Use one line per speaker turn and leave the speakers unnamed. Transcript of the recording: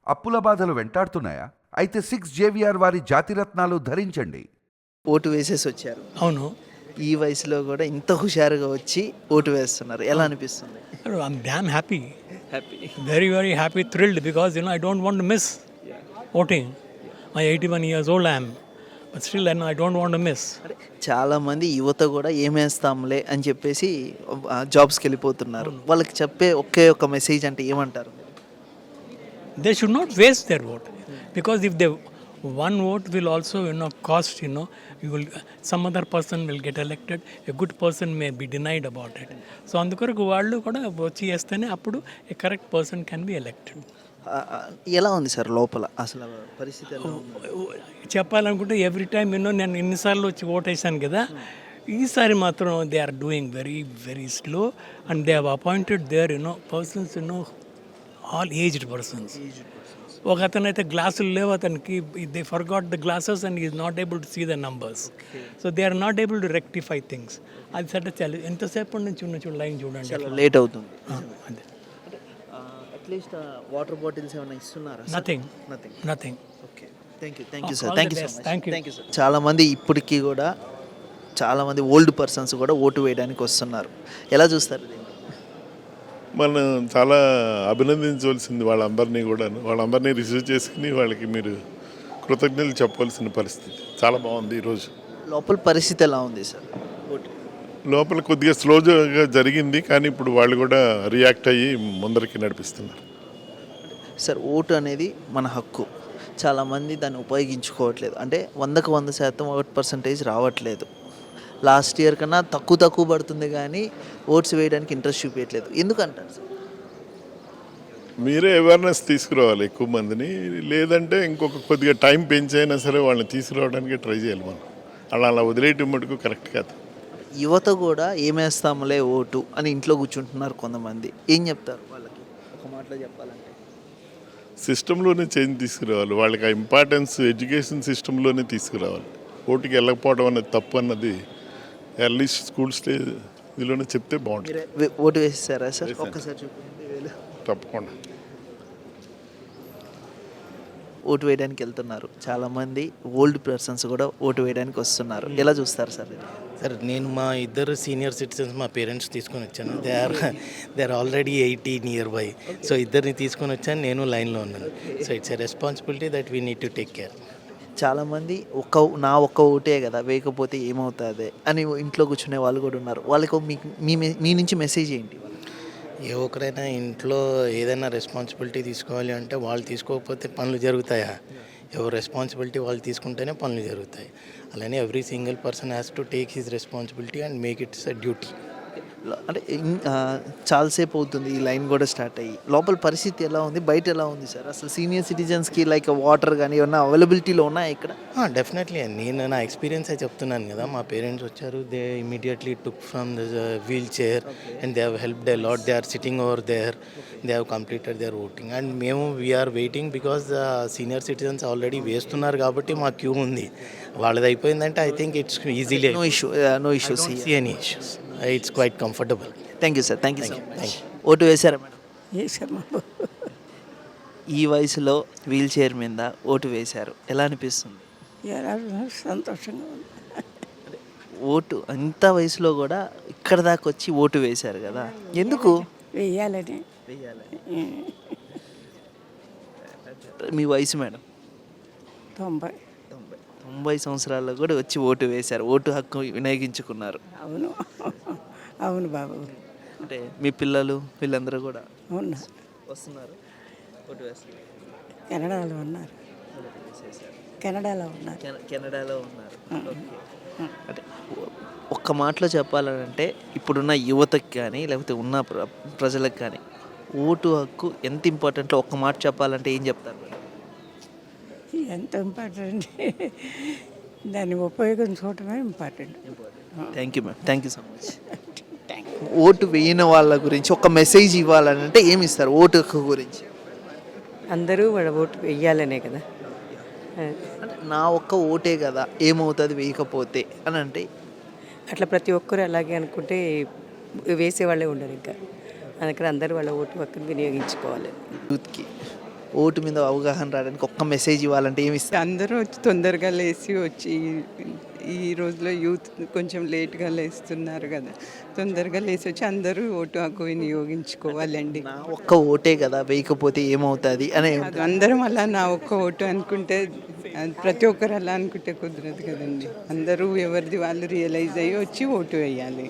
అప్పుల బాధలు వెంటాడుతున్నాయా? అయితే 6 JVR వారి జాతిరత్నాలు ధరించండి.
ఓటు వేసేసి వచ్చారు.
అవును.
ఈ వయసులో కూడా ఇంత హుషారుగా వచ్చి ఓటు వేస్తున్నారు. ఎలా అనిపిస్తుంది?
I'm damn happy.
Happy.
Very, very happy, thrilled because I don't want to miss voting. My 81 years old I am. But still I don't want to miss.
అంటే చాలా మంది యువత కూడా ఏమేస్తాంలే అని చెప్పేసి జాబ్స్కి వెళ్ళిపోతున్నారు. వాళ్ళకి చెప్పే ఒకే ఒక మెసేజ్ అంటే ఏమంటారు?
They should not waste their vote. Because if they one vote will also cost, you will some other person will get elected, a good person may be denied about it. So అందుకొరకు వాళ్ళు కూడా వచ్చి చేస్తేనే అప్పుడు a correct person can be elected.
ఎలా ఉంది sir లోపల అసలు పరిస్థితి ఎలా ఉంది?
చెప్పాలనుకుంటే ఎవ్రీ టైమ్ నేను ఎన్నిసార్లు వచ్చి ఓటేసాను కదా, ఈసారి మాత్రం they are doing very very slow and they have appointed their persons all aged persons. ఒక అతను అయితే గ్లాసులు లేవు అతనికి, they forgot the glasses and is not able to see the numbers. So they are not able to rectify things. అది సరే చాలా ఎంతసేపటి నుంచి ఉన్న లైన్ చూడండి,
లేట్ అవుతుంది.
అదే
అట్లీస్ట్ వాటర్ బాటిల్స్ ఏమైనా ఇస్తున్నారా?
Nothing.
Okay, thank you sir.
All the best. Thank you.
చాలా మంది ఇప్పటికీ కూడా చాలా మంది ఓల్డ్ పర్సన్స్ కూడా ఓటు వేయడానికి వస్తున్నారు. ఎలా చూస్తారు దీన్ని?
మనం చాలా అభినందించవలసింది వాళ్ళందరినీ రిసీవ్ చేసుకుని వాళ్ళకి మీరు కృతజ్ఞతలు చెప్పవలసిన పరిస్థితి. చాలా బాగుంది ఈరోజు.
లోపల పరిస్థితి ఎలా ఉంది సార్? ఓటు
లోపల కొద్దిగా స్లోగా జరిగింది, కానీ ఇప్పుడు వాళ్ళు కూడా రియాక్ట్ అయ్యి ముందరికి నడిపిస్తున్నారు.
సార్, ఓటు అనేది మన హక్కు. చాలామంది దాన్ని ఉపయోగించుకోవట్లేదు. అంటే 100% ఓట్ పర్సంటేజ్ రావట్లేదు. లాస్ట్ ఇయర్ కన్నా తక్కువ పడుతుంది, కానీ ఓట్స్ వేయడానికి ఇంట్రెస్ట్ చూపించట్లేదు. ఎందుకంటారు సార్?
మీరే అవేర్నెస్ తీసుకురావాలి ఎక్కువ మందిని, లేదంటే ఇంకొక కొద్దిగా టైం పెంచైనా సరే వాళ్ళని తీసుకురావడానికి ట్రై చేయాలి. మనం అలా వదిలేయటం మటుకు కరెక్ట్ కాదు.
యువత కూడా ఏమేస్తాములే ఓటు అని ఇంట్లో కూర్చుంటున్నారు కొంతమంది. ఏం చెప్తారు వాళ్ళకి ఒక మాటలో చెప్పాలంటే?
సిస్టంలోనే చేంజ్ తీసుకురావాలి. వాళ్ళకి ఆ ఇంపార్టెన్స్ ఎడ్యుకేషన్ సిస్టంలోనే తీసుకురావాలి. ఓటుకి వెళ్ళకపోవడం అనేది తప్పు అన్నది ఎర్లీ స్కూల్ స్టేజ్ ఇదిలోనే చెప్తే బాగుంటుంది.
ఓటు వేసేసారా సార్? ఒక్కసారి చూపించండి.
తప్పకుండా
ఓటు వేయడానికి వెళ్తున్నారు. చాలామంది ఓల్డ్ పర్సన్స్ కూడా ఓటు వేయడానికి వస్తున్నారు. ఎలా చూస్తారు సార్?
సార్, నేను మా ఇద్దరు సీనియర్ సిటిజన్స్ మా పేరెంట్స్ తీసుకొని వచ్చాను. They are already 18 nearby. So ఇద్దరిని తీసుకొని వచ్చాను, నేను లైన్లో ఉన్నాను. So it's a responsibility that we need to take care.
చాలామంది నా ఒక్క ఓటే కదా, వేయకపోతే ఏమవుతుంది అని ఇంట్లో కూర్చునే వాళ్ళు కూడా ఉన్నారు. వాళ్ళకు మీ నుంచి మెసేజ్ ఏంటి?
ఏ ఒక్కరైనా ఇంట్లో ఏదైనా రెస్పాన్సిబిలిటీ తీసుకోవాలి అంటే వాళ్ళు తీసుకోకపోతే పనులు జరుగుతాయా? ఎవరు రెస్పాన్సిబిలిటీ వాళ్ళు తీసుకుంటేనే పనులు జరుగుతాయి. అలానే every single person has to take his responsibility and make its a duty.
అంటే చాలాసేపు అవుతుంది ఈ లైన్ కూడా స్టార్ట్ అయ్యి. లోపల పరిస్థితి ఎలా ఉంది, బయట ఎలా ఉంది సార్? అసలు సీనియర్ సిటిజన్స్కి లైక్ వాటర్ కానీ ఏమన్నా అవైలబిలిటీలో ఉన్నాయా ఇక్కడ?
డెఫినెట్లీ. నేను నా ఎక్స్పీరియన్సే చెప్తున్నాను కదా. మా పేరెంట్స్ వచ్చారు, they immediately took from the wheelchair and they have helped a lot. They are sitting over there, they have completed their voting and మేము we are waiting because the senior citizens already వేస్తున్నారు కాబట్టి మా queue ఉంది. వాళ్ళది అయిపోయిందంటే I think it's easily
no issues.
Any issues. It's quite comfortable.
Thank you sir. Thank you. Vote వేశారా madam?
వేసాము.
ఈ వయసులో వీల్ చైర్ మీద ఓటు వేశారు. ఎలా అనిపిస్తుంది?
సంతోషంగా ఉంది.
ఓటు అంత వయసులో కూడా ఇక్కడ దాకా వచ్చి ఓటు వేశారు కదా, ఎందుకు
వెయ్యాలని?
మీ వయసు మేడం? 90 సంవత్సరాల్లో కూడా వచ్చి ఓటు వేశారు. ఓటు హక్కు వినియోగించుకున్నారు.
అవును బాబు.
అంటే మీ పిల్లలు వీళ్ళందరూ కూడా
వస్తున్నారు,
ఓటు వేస్తారు.
కెనడాలో ఉన్నారు.
కెనడాలో ఉన్నారు. అంటే ఒక్క మాటలో చెప్పాలంటే ఇప్పుడున్న యువతకి కానీ లేకపోతే ఉన్న ప్రజలకు కానీ ఓటు హక్కు ఎంత ఇంపార్టెంట్లో ఒక్క మాట చెప్పాలంటే ఏం చెప్తారు?
ఎంత ఇంపార్టెంట్, దాన్ని ఉపయోగించుకోవటమే important.
Thank you ma'am. Thank you so much. Vote వేయని వాళ్ళ గురించి ఒక మెసేజ్ ఇవ్వాలంటే ఏమి ఇస్తారు ఓటు హక్కు గురించి?
అందరూ వాళ్ళ ఓటు వేయాలనే కదా.
అంటే నా ఒక్క ఓటే కదా, ఏమవుతుంది వేయకపోతే అని అంటే
అట్లా ప్రతి ఒక్కరు అలాగే అనుకుంటే వేసేవాళ్ళే ఉండరు ఇంకా. అందుకని అందరూ వాళ్ళ ఓటు హక్కును వినియోగించుకోవాలి.
యూత్కి ఓటు మీద అవగాహన రావడానికి ఒక్క మెసేజ్ ఇవ్వాలంటే ఏమి ఇస్తారు?
అందరూ వచ్చి తొందరగా లేచి వచ్చి ఈ రోజులో యూత్ కొంచెం లేట్గా లేస్తున్నారు కదా, తొందరగా లేచి వచ్చి అందరూ ఓటు హక్కు వినియోగించుకోవాలండి.
నా ఒక్క ఓటే కదా, వేయకపోతే ఏమవుతుంది అనే
అది అందరం అలా నా ఒక్క ఓటు అనుకుంటే, అది ప్రతి ఒక్కరు అలా అనుకుంటే కుదరదు కదండి. అందరూ ఎవరిది వాళ్ళు రియలైజ్ అయ్యి వచ్చి ఓటు వేయాలి.